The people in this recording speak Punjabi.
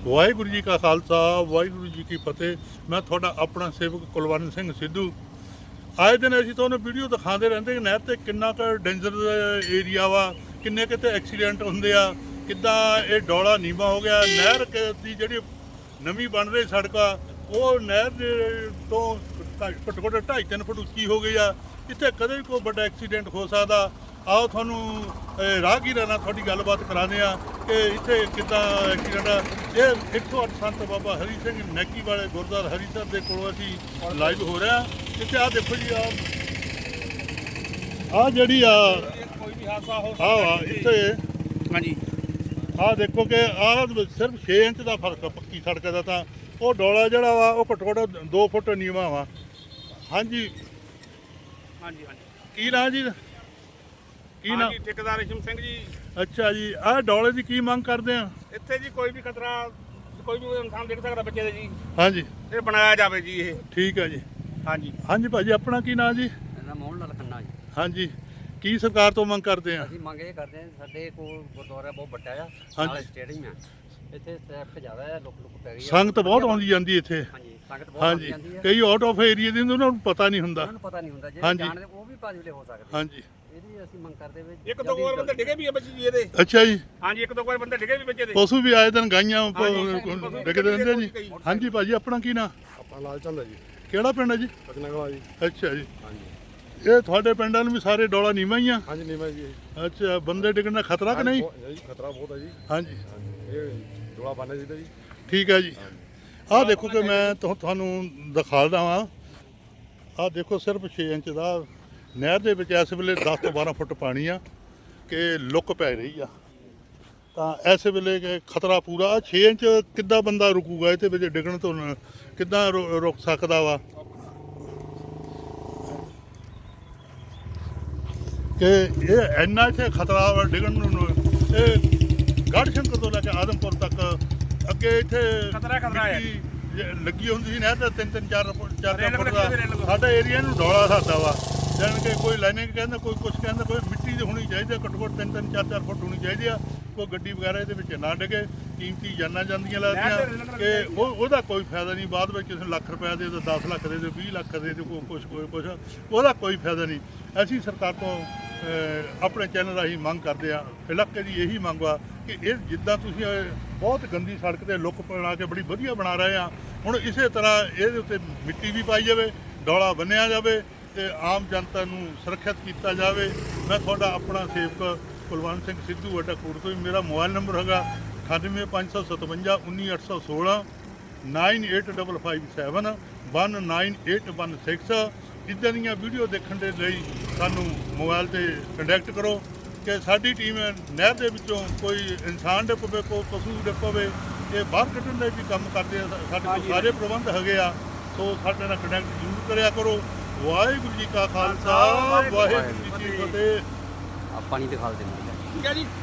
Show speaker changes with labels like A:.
A: ਵਾਹਿਗੁਰੂ ਜੀ ਕਾ ਖਾਲਸਾ ਵਾਹਿਗੁਰੂ ਜੀ ਕੀ ਫਤਿਹ। ਮੈਂ ਤੁਹਾਡਾ ਆਪਣਾ ਸੇਵਕ ਕੁਲਵੰਤ ਸਿੰਘ ਸਿੱਧੂ। ਆਏ ਦਿਨ ਅਸੀਂ ਤੁਹਾਨੂੰ ਵੀਡੀਓ ਦਿਖਾਉਂਦੇ ਰਹਿੰਦੇ ਕਿ ਨਹਿਰ ਤੇ ਕਿੰਨਾ ਕੁ ਡੇਂਜਰ ਏਰੀਆ ਵਾ, ਕਿੰਨੇ ਕਿਤੇ ਐਕਸੀਡੈਂਟ ਹੁੰਦੇ ਆ, ਕਿੱਦਾਂ ਇਹ ਡੋਲਾ ਨੀਵਾਂ ਹੋ ਗਿਆ। ਨਹਿਰ ਦੀ ਜਿਹੜੀ ਨਵੀਂ ਬਣ ਰਹੀ ਸੜਕ ਆ ਉਹ ਨਹਿਰ ਦੇ ਤੋਂ ਘੱਟੋ ਘੱਟ 2.5-3 ਫੁੱਟ ਉੱਚੀ ਹੋ ਗਈ ਆ। ਇੱਥੇ ਕਦੇ ਵੀ ਕੋਈ ਵੱਡਾ ਐਕਸੀਡੈਂਟ ਹੋ ਸਕਦਾ। ਆਓ ਤੁਹਾਨੂੰ ਰਾਹਗੀਰਾਂ ਨਾਲ ਤੁਹਾਡੀ ਗੱਲਬਾਤ ਕਰਾਉਂਦੇ ਆ ਕਿ ਇੱਥੇ ਕਿੱਦਾਂ ਐਕਸੀਡੈਂਟ ਆ। ਇਹ 108 ਸੰਤ ਬਾਬਾ ਹਰੀ ਸਿੰਘ ਨੈਕੀ ਵਾਲੇ ਗੁਰਦੁਆਰਾ ਹਰੀਸਰ ਦੇ ਕੋਲੋਂ ਅਸੀਂ ਲਾਈਵ ਹੋ ਰਿਹਾ। ਇੱਥੇ ਆਹ ਦੇਖੋ ਜੀ, ਆਹ ਜਿਹੜੀ ਆ
B: ਕੋਈ ਵੀ ਹਾਦਸਾ ਹੋ
A: ਆਹ ਇੱਥੇ
B: ਹਾਂਜੀ
A: ਆਹ ਦੇਖੋ ਕਿ ਆਹ ਸਿਰਫ 6 ਇੰਚ ਦਾ ਫਰਕ ਆ ਪੱਕੀ ਸੜਕ ਦਾ। ਤਾਂ ਉਹ ਡੋਲਾ ਜਿਹੜਾ ਵਾ ਉਹ ਘੱਟੋ ਘੱਟ 2 ਫੁੱਟ ਨੀਵਾਂ ਵਾ। ਹਾਂਜੀ
B: ਹਾਂਜੀ ਹਾਂਜੀ
A: ਕੀ ਨਾਂ ਜੀ? ਕੀ ਨਾਂ?
B: ਠੇਕੇਦਾਰ ਰੇਸ਼ਮ ਸਿੰਘ ਜੀ।
A: ਅੱਛਾ ਜੀ, ਆਹ ਡੋਲੇ ਦੀ ਕੀ ਮੰਗ ਕਰਦੇ ਆ?
B: ਇੱਥੇ ਜੀ ਕੋਈ ਵੀ ਖਤਰਾ ਕੋਈ ਵੀ ਇਨਸਾਨ ਦੇਖ ਸਕਦਾ ਬੱਚੇ ਦੇ ਜੀ,
A: ਹਾਂਜੀ
B: ਇਹ ਬਣਾਇਆ ਜਾਵੇ ਜੀ। ਇਹ
A: ਠੀਕ ਹੈ ਜੀ।
B: ਹਾਂਜੀ
A: ਹਾਂਜੀ ਭਾਜੀ, ਆਪਣਾ ਕੀ ਨਾਂ ਜੀ?
C: ਇਹਦਾ ਮੋਹਨ ਲਾਲ ਖੰਨਾ ਜੀ।
A: ਹਾਂਜੀ, ਕੀ ਸਰਕਾਰ ਤੋਂ ਮੰਗ ਕਰਦੇ ਆ?
C: ਅਸੀਂ ਮੰਗ ਇਹ ਕਰਦੇ ਹਾਂ, ਸਾਡੇ ਕੋਲ ਗੁਰਦੁਆਰਾ ਬਹੁਤ ਵੱਡਾ ਆ,
A: ਹਾਂਜੀ।
C: ਨਾਲ ਸਟੇਡੀਅਮ ਆ, ਇੱਥੇ ਟ੍ਰੈਫਿਕ ਜ਼ਿਆਦਾ ਹੈ, ਲੁੱਕ ਪੈ ਰਹੀ ਹੈ,
A: ਸੰਗਤ ਬਹੁਤ ਆਉਂਦੀ ਜਾਂਦੀ ਇੱਥੇ।
C: ਹਾਂਜੀ ਸੰਗਤ ਬਹੁਤ ਆਉਂਦੀ
A: ਹਾਂਜੀ,
C: ਜਾਂਦੀ ਹੈ,
A: ਕਈ ਆਊਟ ਆਫ ਏਰੀਆ ਦੇ ਹੁੰਦੇ ਉਹਨਾਂ ਨੂੰ ਪਤਾ ਨਹੀਂ ਹੁੰਦਾ।
C: ਉਹਨਾਂ ਨੂੰ ਪਤਾ ਨਹੀਂ ਹੁੰਦਾ, ਜੇ
A: ਹਾਂਜੀ।
C: ਜਾਣਦੇ ਉਹ ਵੀ ਭਾਜਲੇ ਹੋ ਸਕਦੇ।
A: ਹਾਂਜੀ
C: ਇਹਦੀ ਅਸੀਂ ਮੰਗ ਕਰਦੇ ਵੀ
B: ਇੱਕ ਦੋ ਵਾਰ ਬੰਦੇ ਡਿੱਗੇ ਵੀ ਆ ਬੱਚੇ ਜੀ ਇਹਦੇ।
A: ਅੱਛਾ ਜੀ,
B: ਹਾਂਜੀ ਇੱਕ ਦੋ ਵਾਰ ਬੰਦੇ ਡਿੱਗੇ ਵੀ ਬੱਚੇ ਦੇ।
A: ਪਸ਼ੂ ਵੀ ਆਏ ਦਿਨ ਗਾਈਆਂ
B: ਪਸ਼ੂ
A: ਡਿੱਗਦੇ ਰਹਿੰਦੇ ਜੀ। ਹਾਂਜੀ ਭਾਜੀ, ਆਪਣਾ ਕੀ ਨਾਂ?
D: ਆਪਣਾ ਲਾਲ ਚੰਦ ਹੈ ਜੀ,
A: ਕਿਹੜਾ ਪਿੰਡ ਹੈ ਜੀ?
D: ਰਤਨਾਗਲਾ ਜੀ।
A: ਅੱਛਾ ਜੀ,
D: ਹਾਂਜੀ
A: ਇਹ ਤੁਹਾਡੇ ਪਿੰਡਾਂ ਨੂੰ ਵੀ ਸਾਰੇ ਡੋਲਾ ਨੀਵਾਂ ਹੀ ਆ?
D: ਹਾਂਜੀ ਨੀਮਾ ਜੀ।
A: ਅੱਛਾ, ਬੰਦੇ ਡਿੱਗਣ ਦਾ ਖਤਰਾ ਕਿ ਨਹੀਂ?
D: ਜੀ ਖਤਰਾ ਬਹੁਤ ਹੈ ਜੀ।
A: ਹਾਂਜੀ
D: ਹਾਂਜੀ ਇਹ ਡੋਲਾ ਬਣਨਾ ਚਾਹੀਦਾ ਜੀ।
A: ਠੀਕ ਹੈ ਜੀ। ਆਹ ਦੇਖੋ ਕਿ ਮੈਂ ਤੁਹਾਨੂੰ ਦਿਖਾਉਂਦਾ ਵਾਂ। ਆਹ ਦੇਖੋ ਸਿਰਫ 6 ਇੰਚ ਦਾ ਨਹਿਰ ਦੇ ਵਿੱਚ ਇਸ ਵੇਲੇ 10 ਤੋਂ 12 ਫੁੱਟ ਪਾਣੀ ਆ ਕਿ ਲੁੱਕ ਪੈ ਰਹੀ ਆ। ਤਾਂ ਇਸ ਵੇਲੇ ਕਿ ਖਤਰਾ ਪੂਰਾ। 6 ਇੰਚ ਕਿੱਦਾਂ ਬੰਦਾ ਰੁਕੂਗਾ ਇਹਦੇ ਵਿੱਚ ਡਿੱਗਣ ਤੋਂ? ਕਿੱਦਾਂ ਰੁਕ ਸਕਦਾ ਵਾ? ਕਿ ਇਹ ਇੰਨਾ ਇੱਥੇ ਖਤਰਾ ਵਾ ਡਿੱਗਣ ਨੂੰ। ਇਹ ਗੜ੍ਹ ਸ਼ੰਕਰ ਤੋਂ ਲੈ ਕੇ ਆਦਮਪੁਰ ਤੱਕ ਅੱਗੇ ਇੱਥੇ
B: ਖਤਰਾ ਹੈ।
A: ਮਿੱਟੀ ਲੱਗੀ ਹੁੰਦੀ ਸੀ ਨਹਿਰ ਤੇ 3-4 ਫੁੱਟ ਦਾ।
B: ਰੇਲ
A: ਸਾਡਾ ਏਰੀਆ ਨੂੰ ਡੋਲਾ ਸਾਡਾ ਵਾ, ਜਾਣ ਕੇ ਕੋਈ ਲਾਈਨਿੰਗ ਕਹਿੰਦਾ, ਕੋਈ ਕੁਛ ਕਹਿੰਦਾ, ਕੋਈ ਮਿੱਟੀ ਦੀ ਹੋਣੀ ਚਾਹੀਦੀ, ਘੱਟੋ ਘੱਟ 3-3 4-4 ਫੁੱਟ ਹੋਣੀ ਚਾਹੀਦੀ ਆ। ਕੋਈ ਗੱਡੀ ਵਗੈਰਾ ਇਹਦੇ ਵਿੱਚ ਨਾ ਡਿੱਗੇ। ਕੀਮਤੀ ਜਾਨਾਂ ਜਾਂਦੀਆਂ ਲੱਗਦੀਆਂ ਕਿ ਉਹਦਾ ਕੋਈ ਫਾਇਦਾ ਨਹੀਂ। ਬਾਅਦ ਵਿੱਚ ਕਿਸੇ ਨੂੰ ਲੱਖ ਰੁਪਏ ਦੇ ਦਿਓ, 10 ਲੱਖ ਦੇ ਦਿਓ, 20 ਲੱਖ ਦੇ ਦਿਓ, ਕੁਛ ਉਹਦਾ ਕੋਈ ਫਾਇਦਾ ਨਹੀਂ। ਅਸੀਂ ਸਰਕਾਰ ਤੋਂ ਆਪਣੇ ਚੈਨਲ ਰਾਹੀਂ ਮੰਗ ਕਰਦੇ ਆ, ਇਲਾਕੇ ਦੀ ਇਹੀ ਮੰਗ ਆ ਕਿ ਇਹ ਜਿੱਦਾਂ ਤੁਸੀਂ ਬਹੁਤ ਗੰਦੀ ਸੜਕ ਤੇ ਲੁੱਕ ਬਣਾ ਕੇ ਬੜੀ ਵਧੀਆ ਬਣਾ ਰਹੇ ਆ, ਹੁਣ ਇਸੇ ਤਰ੍ਹਾਂ ਇਹਦੇ ਉੱਤੇ ਮਿੱਟੀ ਵੀ ਪਾਈ ਜਾਵੇ, ਡੋਲਾ ਬੰਨਿਆ ਜਾਵੇ ਤੇ ਆਮ ਜਨਤਾ ਨੂੰ ਸੁਰੱਖਿਅਤ ਕੀਤਾ ਜਾਵੇ। ਮੈਂ ਤੁਹਾਡਾ ਆਪਣਾ ਸੇਵਕ ਕੁਲਵੰਤ ਸਿੰਘ ਸਿੱਧੂ ਵੱਡਾ ਕੋਟ ਤੋਂ। ਮੇਰਾ ਮੋਬਾਈਲ ਨੰਬਰ ਹੈਗਾ 9855 19816 98557 19816। ਇੱਦਾਂ ਦੀਆਂ ਵੀਡੀਓ ਦੇਖਣ ਦੇ ਲਈ ਸਾਨੂੰ ਮੋਬਾਈਲ ਤੇ ਕੰਟੈਕਟ ਕਰੋ ਕਿ ਸਾਡੀ ਟੀਮ ਨਹਿਰ ਦੇ ਵਿੱਚੋਂ ਕੋਈ ਇਨਸਾਨ ਡਿੱਗ ਪਵੇ, ਕੋਈ ਪਸ਼ੂ ਡਿੱਗ ਪਵੇ, ਇਹ ਬਾਹਰ ਕੱਢਣ ਦੇ ਵੀ ਕੰਮ ਕਰਦੇ ਆ। ਸਾਡੇ ਕੋਲ ਸਾਰੇ ਪ੍ਰਬੰਧ ਹੈਗੇ ਆ, ਸੋ ਸਾਡੇ ਨਾਲ ਕੰਟੈਕਟ ਜ਼ਰੂਰ ਕਰਿਆ ਕਰੋ। ਵਾਹਿਗੁਰੂ ਜੀ ਕਾ ਖਾਲਸਾ ਵਾਹਿਗੁਰੂ ਜੀ ਕੀ ਫਤਿਹ।
C: ਆਪਾਂ ਨਹੀਂ ਦਿਖਾ ਦਿੰਦੇ।
B: ਠੀਕ ਹੈ ਜੀ।